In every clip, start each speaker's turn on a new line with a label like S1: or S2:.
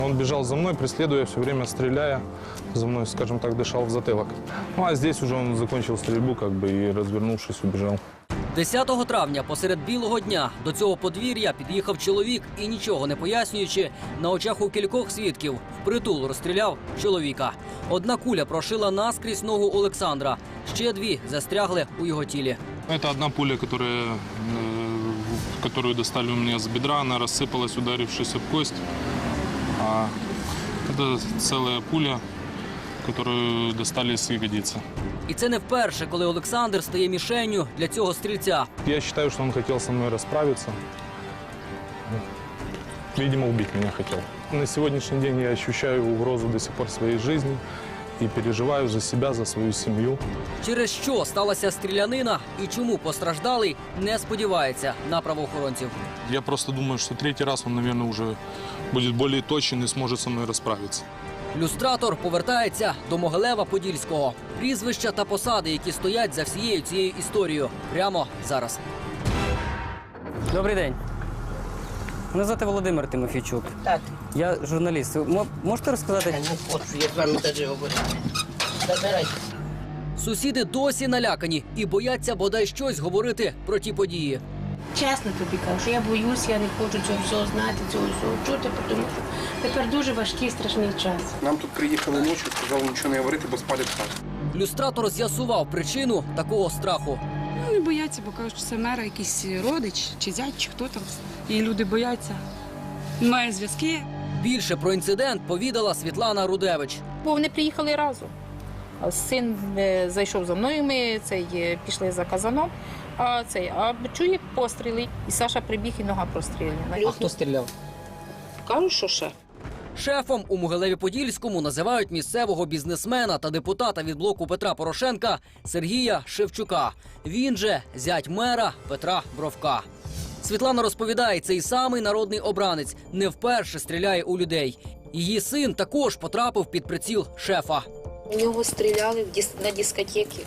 S1: Он бежал за мной, преследуя, все время стреляя, за мной, скажем так, дышал в затылок. Ну а здесь уже он закончил стрельбу, и развернувшись, убежал.
S2: 10 травня посеред білого дня до цього подвір'я під'їхав чоловік і, нічого не пояснюючи, на очах у кількох свідків впритул розстріляв чоловіка. Одна куля прошила наскрізь ногу Олександра, ще дві застрягли у його тілі.
S1: Это одна пуля, которую достали у меня с бедра, она рассыпалась, ударившись об кость. А это целая пуля, которую достали с ягодицы.
S2: І це не вперше, коли Олександр стає мішенню для цього стрільця.
S1: Я считаю, что он хотел со мной расправиться. Видимо, убить меня хотел. На сегодняшний день я ощущаю угрозу до сих пор своей жизни и переживаю за себя, за свою семью.
S2: Через що сталася стрілянина і чому постраждалий не сподівається на правоохоронців.
S1: Я просто думаю, что третий раз он, наверное, уже будет более точен и сможет со мной расправиться.
S2: Люстратор повертається до Могилева-Подільського. Прізвища та посади, які стоять за всією цією історією. Прямо зараз. Добрий день. Мене звати Володимир Тимофійчук.
S3: Так.
S2: Я журналіст. Ви можете розказати?
S3: Я не хочу, я з вами теж говорю. Забирайтеся.
S2: Сусіди досі налякані і бояться бодай щось говорити про ті події.
S3: Чесно тобі кажу, що я боюсь, я не хочу цього всього знати, цього всього чути, тому що тепер дуже важкий, страшний час.
S4: Нам тут приїхали ночі, сказали нічого не говорити, бо спалять хату.
S2: Люстратор з'ясував причину такого страху.
S5: Не бояться, бо кажуть, що це мера якийсь родич, чи зять, чи хто там. І люди бояться. Має зв'язки.
S2: Більше про інцидент повідала Світлана Рудевич.
S6: Бо вони приїхали разом. Син зайшов за мною, ми пішли за казаном, а чує постріли. І Саша прибіг, і нога простріляна.
S2: А хто стріляв?
S6: Кажуть, що ще.
S2: Шефом у Могилеві-Подільському називають місцевого бізнесмена та депутата від блоку Петра Порошенка Сергія Шевчука. Він же зять мера Петра Бровка. Світлана розповідає, цей самий народний обранець не вперше стріляє у людей. Її син також потрапив під приціл шефа.
S6: У нього стріляли на дискотеці.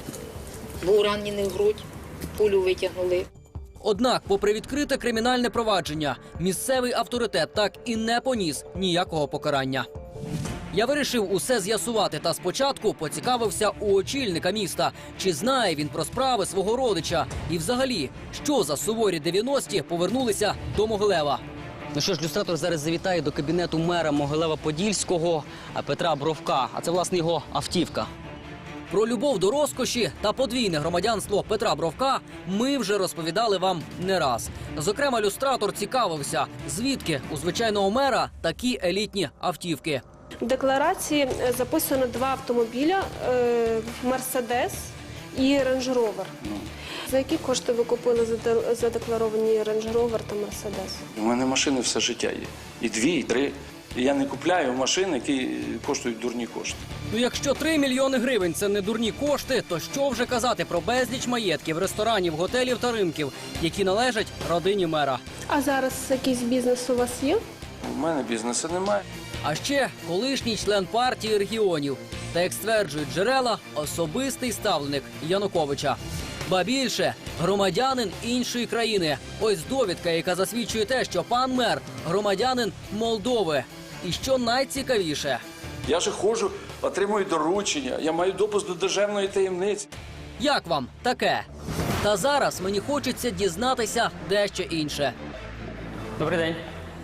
S6: Був ранений в грудь, пулю витягнули.
S2: Однак, попри відкрите кримінальне провадження, місцевий авторитет так і не поніс ніякого покарання. Я вирішив усе з'ясувати та спочатку поцікавився у очільника міста, чи знає він про справи свого родича і взагалі, що за суворі 90-ті повернулися до Могилева. Ну що ж, люстратор зараз завітає до кабінету мера Могилева-Подільського Петра Бровка, а це, власне, його автівка. Про любов до розкоші та подвійне громадянство Петра Бровка ми вже розповідали вам не раз. Зокрема, люстратор цікавився, звідки у звичайного мера такі елітні автівки.
S7: В декларації записано 2 автомобіля – «Мерседес» і «Рейндж Ровер». За які кошти ви купили задекларовані «Рейндж Ровер» та «Мерседес»?
S8: У мене машини все життя є. І 2, і 3. І я не купляю машини, які коштують дурні кошти.
S2: Ну якщо 3 мільйони гривень – це не дурні кошти, то що вже казати про безліч маєтків, ресторанів, готелів та ринків, які належать родині мера.
S7: А зараз якийсь бізнес у вас є?
S8: У мене бізнесу немає.
S2: А ще колишній член партії регіонів. Та, як стверджують джерела, особистий ставленик Януковича. Ба більше, громадянин іншої країни. Ось довідка, яка засвідчує те, що пан мер – громадянин Молдови. І що найцікавіше.
S8: Я же ходжу, отримую доручення, я маю допуск до державної таємниці.
S2: Як вам таке? Та зараз мені хочеться дізнатися дещо інше. Добрий день.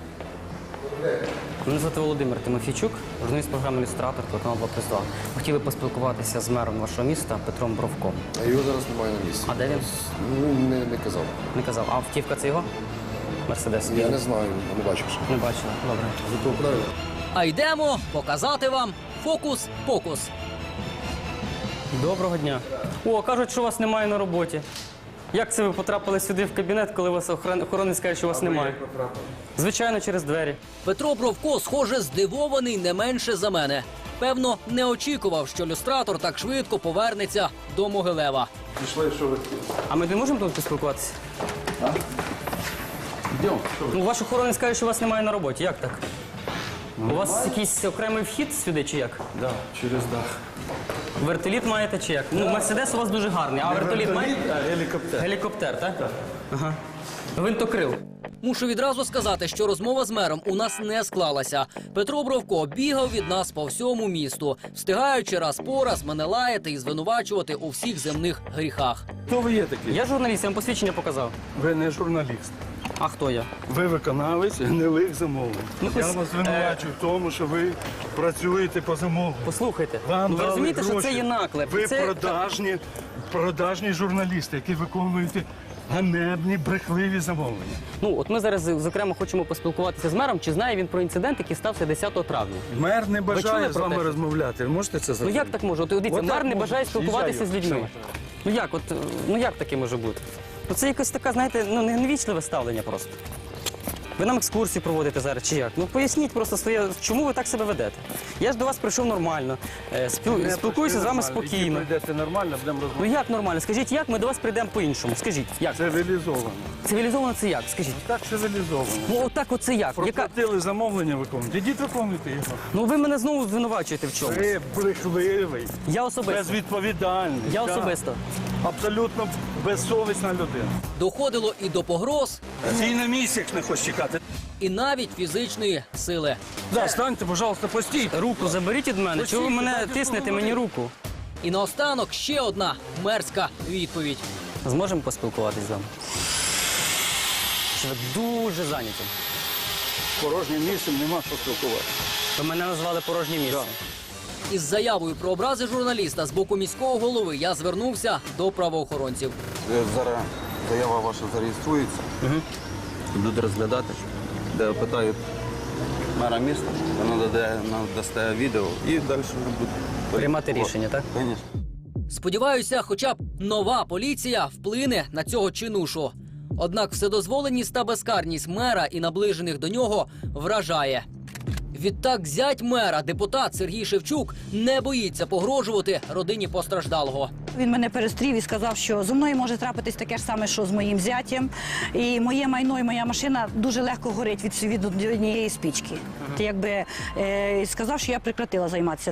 S2: Мене звати Володимир Тимофійчук, журналіст програми «Люстратор», телеканал 2+2. Хотіли поспілкуватися з мером вашого міста Петром Бровком.
S9: А його зараз немає на місці.
S2: А де він?
S9: Ну, не казав.
S2: Не казав. А автівка це його? Мерседес?
S9: Я не знаю, не бачив ще.
S2: Не бачила. Добре.
S9: Зато правильно.
S2: А йдемо показати вам фокус-покус. Доброго дня. О, кажуть, що вас немає на роботі. Як це ви потрапили сюди в кабінет, коли вас охоронець каже, що вас немає? Звичайно, через двері. Петро Бровко, схоже, здивований не менше за мене. Певно, не очікував, що люстратор так швидко повернеться до Могилева.
S9: Пішли, що ви?
S2: А ми не можемо тут поспілкуватися?
S9: А? Йдемо.
S2: Ну, ваш охоронець каже, що вас немає на роботі. Як так? У вас якийсь окремий вхід сюди чи як?
S9: Так, через дах.
S2: Вертоліт маєте чи як? Ну, Мерседес у вас дуже гарний, а вертоліт маєте?
S9: А гелікоптер.
S2: Гелікоптер, так? Так. Ага. Гвинтокрил. Мушу відразу сказати, що розмова з мером у нас не склалася. Петро Бровко бігав від нас по всьому місту, встигаючи раз по раз мене лаяти і звинувачувати у всіх земних гріхах.
S9: Хто ви є такий?
S10: Я журналіст, я вам посвідчення показав.
S9: Ви не журналіст.
S10: А хто я?
S9: Ви виконавець гнилих замовлень.
S10: Ну,
S9: Я
S10: ось,
S9: вас звинувачую в тому, що ви працюєте по замовленню.
S10: Послухайте,
S9: Вам
S10: ви
S9: дали
S10: розумієте, що
S9: гроші.
S10: це є наклеп?
S9: Ви
S10: Це...
S9: продажні журналісти, які виконуєте ганебні, брехливі замовлення.
S10: Ну, от ми зараз, зокрема, хочемо поспілкуватися з мером, чи знає він про інцидент, який стався 10 травня.
S9: Мер не
S10: чули
S9: бажає з
S10: про
S9: вами
S10: те, що-
S9: розмовляти. Ви можете це
S10: Ну
S9: зробити?
S10: як так може? От дивіться,
S9: От
S10: мер
S9: так
S10: не
S9: може.
S10: бажає спілкуватися
S9: Їжджаю.
S10: з людьми. Ну як таке може бути? Ну це якось така, знаєте, ну невічливе ставлення просто. Ви нам екскурсію проводите зараз чи як? Ну поясніть просто своє, чому ви так себе ведете. Я ж до вас прийшов нормально, спілкуюся з вами спокійно.
S9: Якщо прийдете нормально, будемо
S10: Ну
S9: розмовляти.
S10: як нормально? Скажіть, як ми до вас прийдемо по-іншому? Скажіть, як?
S9: Цивілізовано.
S10: Цивілізовано це як? Скажіть.
S9: Так цивілізовано.
S10: Ну отак оце як? Яка...
S9: Проплатили замовлення виконувати. Ідіть виконуйте його.
S10: Ну ви мене знову звинувачуєте в чомусь.
S9: Ви брехливий,
S10: Я особисто.
S9: безвідповідальний.
S10: Я
S9: так.
S10: особисто.
S9: Абсолютно безсовісна людина.
S2: Доходило і до погроз,
S9: Ти на місяць не хочеш чекати.
S2: і навіть фізичної сили.
S9: Да, станьте, пожалуйста, постійте.
S10: Руку заберіть від мене. Чого ви мене тиснете мені руку?
S2: І наостанок ще одна мерзка відповідь.
S10: Зможемо поспілкуватись з вами? Чи ви дуже зайняті?
S9: Порожнім місцем нема що спілкувати.
S10: Ви мене назвали порожнє місце.
S2: Із заявою про образи журналіста з боку міського голови я звернувся до правоохоронців.
S11: Зараз заява ваша зареєструється. Будуть розглядати, де питають мера міста, вона дасте відео і далі вже буде
S10: Приймати рішення, так?
S11: Звісно.
S2: Сподіваюся, хоча б нова поліція вплине на цього чинушу. Однак вседозволеність та безкарність мера і наближених до нього вражає. Відтак зять мера, депутат Сергій Шевчук, не боїться погрожувати родині постраждалого.
S12: Він мене перестрів і сказав, що зі мною може трапитись таке ж саме, що з моїм зятєм. І моє майно, і моя машина дуже легко горить від однієї спічки. Якби сказав, що я прекратила займатися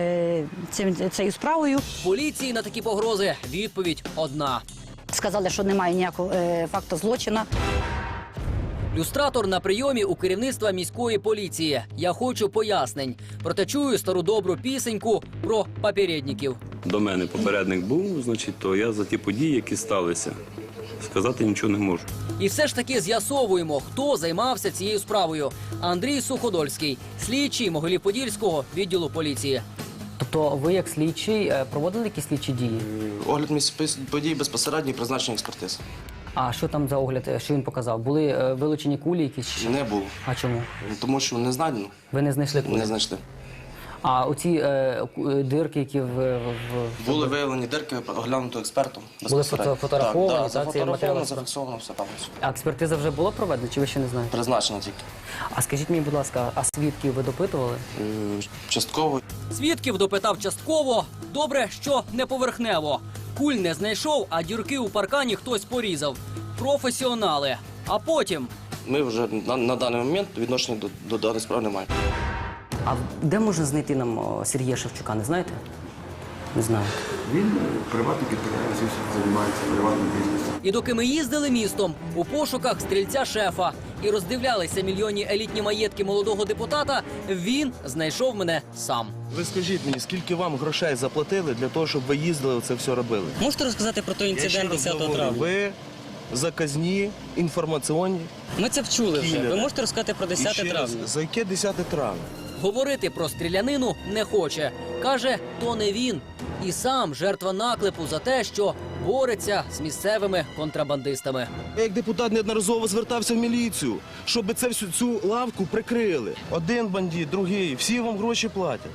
S12: цією справою.
S2: Поліції на такі погрози відповідь одна.
S12: Сказали, що немає ніякого факту злочину.
S2: Люстратор на прийомі у керівництва міської поліції. Я хочу пояснень. Проте чую стару добру пісеньку про попередників.
S13: До мене попередник був, значить, то я за ті події, які сталися, сказати нічого не можу.
S2: І все ж таки з'ясовуємо, хто займався цією справою. Андрій Суходольський, слідчий Могилів-Подільського відділу поліції.
S10: Тобто ви як слідчий проводили якісь слідчі дії?
S14: Огляд місць подій безпосередньо і призначення експертиз.
S10: А що там за огляд, що він показав? Були вилучені кулі якісь?
S14: Не було.
S10: А чому?
S14: Тому що не знайдено.
S10: Ви не знайшли кулі?
S14: Не знайшли.
S10: А оці дирки, які
S14: Були виявлені дирки, оглянуто експертом.
S10: Були фотографовані,
S14: так,
S10: та, ці
S14: зафотографовано,
S10: матеріали?
S14: зафіксовано, все там.
S10: А експертиза вже була проведена, чи ви ще не знаєте?
S14: Призначено тільки.
S10: А скажіть мені, будь ласка, а свідків ви допитували?
S14: Частково.
S2: Свідків допитав частково. Добре, що не поверхнево. Куль не знайшов, а дірки у паркані хтось порізав. Професіонали. А потім...
S14: Ми вже на даний момент відношення до даної справи не маємо.
S10: А де можна знайти нам Сергія Шевчука, не знаєте? Не знаю.
S11: Він приватний підприємець, займається приватним бізнесом.
S2: І доки ми їздили містом у пошуках стрільця-шефа і роздивлялися мільйонні елітні маєтки молодого депутата, він знайшов мене сам.
S15: Ви скажіть мені, скільки вам грошей заплатили для того, щоб ви їздили це все робили?
S10: Можете розказати про той інцидент 10 травня?
S15: Ви заказні, інформаційні.
S10: Ми це вчули вже. Ви можете розказати про 10 травня?
S15: За яке 10 травня?
S2: Говорити про стрілянину не хоче. Каже, то не він. І сам жертва наклепу за те, що бореться з місцевими контрабандистами.
S15: Я як депутат неодноразово звертався в міліцію, щоб цю лавку прикрили. Один бандит, другий, всі вам гроші платять.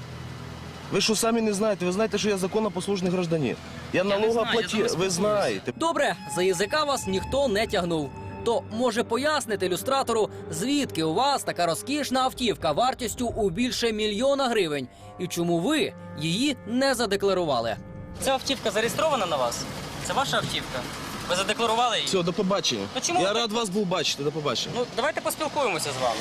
S15: Ви що самі не знаєте? Ви знаєте, що я законопослушний гражданин. Я налогоплатив, ви знаєте.
S2: Добре, за язика вас ніхто не тягнув. То може пояснити люстратору, звідки у вас така розкішна автівка вартістю у більше 1 мільйона гривень? І чому ви її не задекларували?
S10: Ця автівка зареєстрована на вас? Це ваша автівка? Ви задекларували її?
S15: Все, до побачення.
S10: Ну, чому
S15: Я
S10: ви-
S15: рад вас був бачити, до побачення.
S10: Ну, давайте поспілкуємося з вами.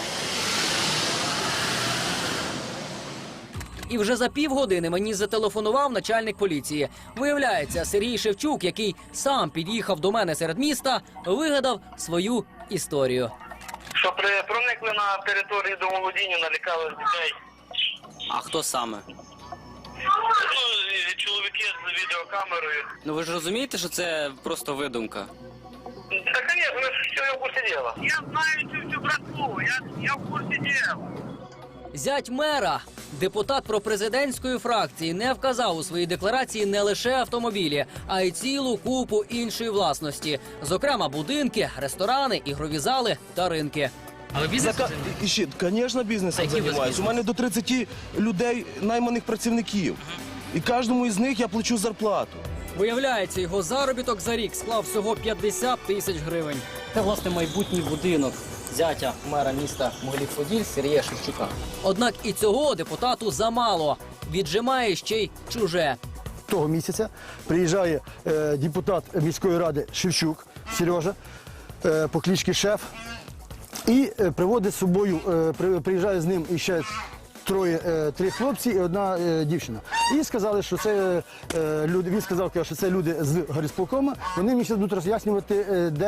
S2: І вже за півгодини мені зателефонував начальник поліції. Виявляється, Сергій Шевчук, який сам під'їхав до мене серед міста, вигадав свою історію.
S16: Що проникли на територію домоволодіння, налякали дітей.
S10: А хто саме?
S16: Ну, і чоловіки з відеокамерою.
S10: Ну ви ж розумієте, що це просто видумка?
S16: Та, звісно, що я в курсі діла. Я знаю цю всю братву, я в курсі діла.
S2: Зять мера, депутат пропрезидентської фракції, не вказав у своїй декларації не лише автомобілі, а й цілу купу іншої власності. Зокрема, будинки, ресторани, ігрові зали та ринки.
S15: А ви бізнесом займаєтесь? Звісно, бізнесом займаюся. У мене до 30 людей, найманих працівників. І кожному із них я плачу зарплату.
S2: Виявляється, його заробіток за рік склав всього 50 тисяч гривень.
S10: Це, власне, майбутній будинок зятя мера міста Могилів-Поділь Сергія Шевчука.
S2: Однак і цього депутату замало. Віджимає ще й чуже.
S17: Того місяця приїжджає депутат міської ради Шевчук Сережа по кличці Шеф і приводить з собою, приїжджає з ним іще три хлопці і одна дівчина. І сказали, що це люди. Він сказав, що це люди з горисполкома. Вони мені будуть роз'яснювати,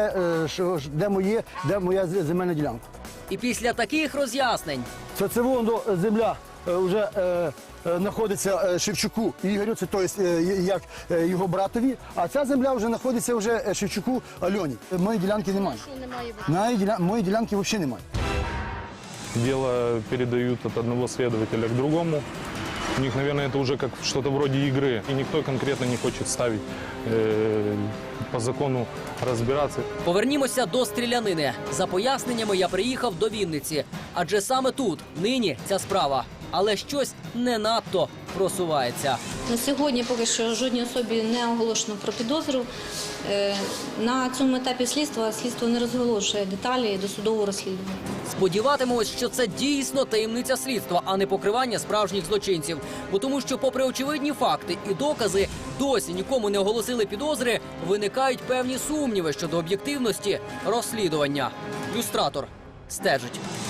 S17: де моя земельна ділянка.
S2: І після таких роз'яснень
S17: Це воно земля вже знаходиться Шевчуку Ігорю, це тобто, як його братові, а ця земля вже знаходиться вже Шевчуку Альоні. Моєї ділянки немає. Моєї ділянки взагалі немає.
S1: Дело передают от одного следователя к другому. У них, наверное, это уже как что-то вроде игры. И никто конкретно не хочет ставить по закону разбираться.
S2: Повернімося до стрілянини. За поясненнями я приїхав до Вінниці. Адже саме тут нині ця справа. Але щось не надто просувається.
S18: На сьогодні поки що жодній особі не оголошено про підозру. На цьому етапі слідство не розголошує деталі досудового розслідування.
S2: Сподіватимемось, що це дійсно таємниця слідства, а не покривання справжніх злочинців. Бо тому, що попри очевидні факти і докази досі нікому не оголосили підозри, виникають певні сумніви щодо об'єктивності розслідування. Люстратор стежить.